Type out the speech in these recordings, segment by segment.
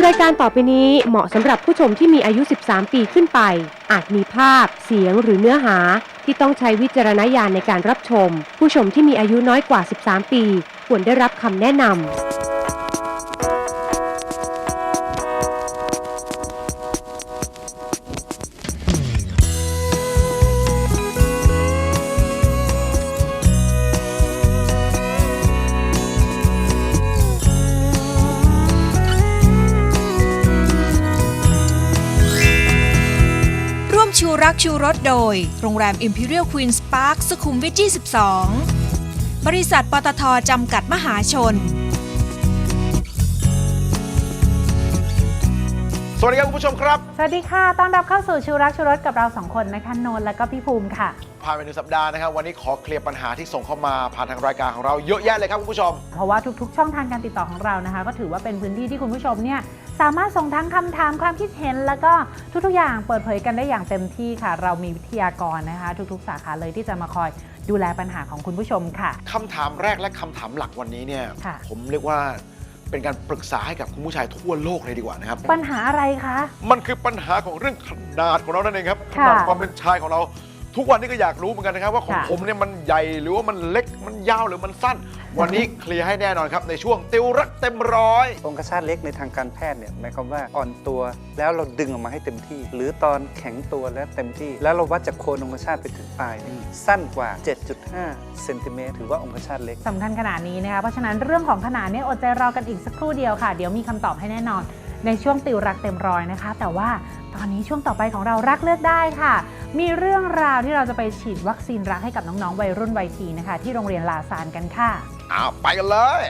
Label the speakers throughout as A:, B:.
A: ายการต่อไปนี้เหมาะสำหรับผู้ชมที่มีอายุ 13 ปีขึ้นไป อาจมีภาพ เสียงหรือเนื้อหาที่ต้องใช้วิจารณญาณในการรับชม ผู้ชมที่มีอายุน้อยกว่า 13 ปีควรได้รับคำแนะนำ
B: ชูรักชูรสโดยโรงแรม Imperial Queen's Park สุขุมวิท 22 บริษัทปตท.จำกัดมหาชน
C: สวัสดีครับคุณผู้ชมครับ
D: สวัสดีค่ะต้อนรับเข้าสู่ชูรักชูรสกับเรา2คนนะคะโนนและก็พี่ภูมิค่ะ
C: ผ่านไป1 สัปดาห์นะครับวันนี้ขอเคลียร์ปัญหาที่ส่งเข้ามาผ่านทางรายการของเราเยอะแยะเลยครับคุณผู้ชม
D: เพราะว่าทุกๆช่องทางการติดต่อของเรานะคะก็ถือว่าเป็นพื้นที่ที่คุณผู้ชมเนี่ยสามารถส่งทั้งคำถามความคิดเห็นแล้วก็ทุกๆอย่างเปิดเผยกันได้อย่างเต็มที่ค่ะเรามีวิทยากรนะคะทุกๆสาขาเลยที่จะมาคอยดูแลปัญหาของคุณผู้ชมค่ะ
C: คำถามแรกและคำถามหลักวันนี้เนี่ยผมเรียกว่าเป็นการปรึกษาให้กับคุณผู้ชายทั่วโลกเลยดีกว่านะครับ
D: ปัญหาอะไรคะ
C: มันคือปัญหาของเรื่องขนาดของเรานั่นเองครับขนาดความเป็นชายของเราทุกวันนี้ก็อยากรู้เหมือนกันนะครับว่าของผมเนี่ยมันใหญ่หรือว่ามันเล็กมันยาวหรือมันสั้นวันนี้เคลียร์ให้แน่นอนครับในช่วงติวรักเต็มร้อย
E: องคชาตเล็กในทางการแพทย์เนี่ยหมายความว่าอ่อนตัวแล้วเราดึงออกมาให้เต็มที่หรือตอนแข็งตัวแล้วเต็มที่แล้วเราวัดจากโคนองคชาตไปถึงปลายสั้นกว่า 7.5 เซนติเมตรถือว่าองคชาตเล็ก
D: สำคัญขนาดนี้นะคะเพราะฉะนั้นเรื่องของขนาดนี้อดใจรอกันอีกสักครู่เดียวค่ะเดี๋ยวมีคำตอบให้แน่นอนในช่วงติวรักเต็มร้อยนะคะแต่ว่าตอนนี้ช่วงต่อไปของเรารักเลือกได้ค่ะมีเรื่องราวที่เราจะไปฉีดวัคซีนรักให้กับน้องๆวัยรุ่นวัยทีนะคะที่โรงเรียนลาซานกันค่ะ
C: ไปกันเลย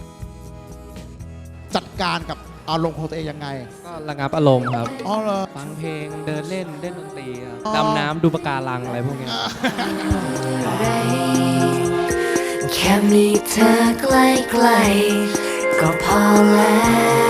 F: จัดการกับอารมณ์ของตัวเองยังไง
G: ก็ระงับอารมณ์ครับ
F: อ๋อเหรอ
G: ฟังเพลงเดินเล่นเล่นดนตรีครับดำน้ำดูปะการังอะไรพวกนี้
H: แค่มีเธอใกล้ๆก็พอแล้ว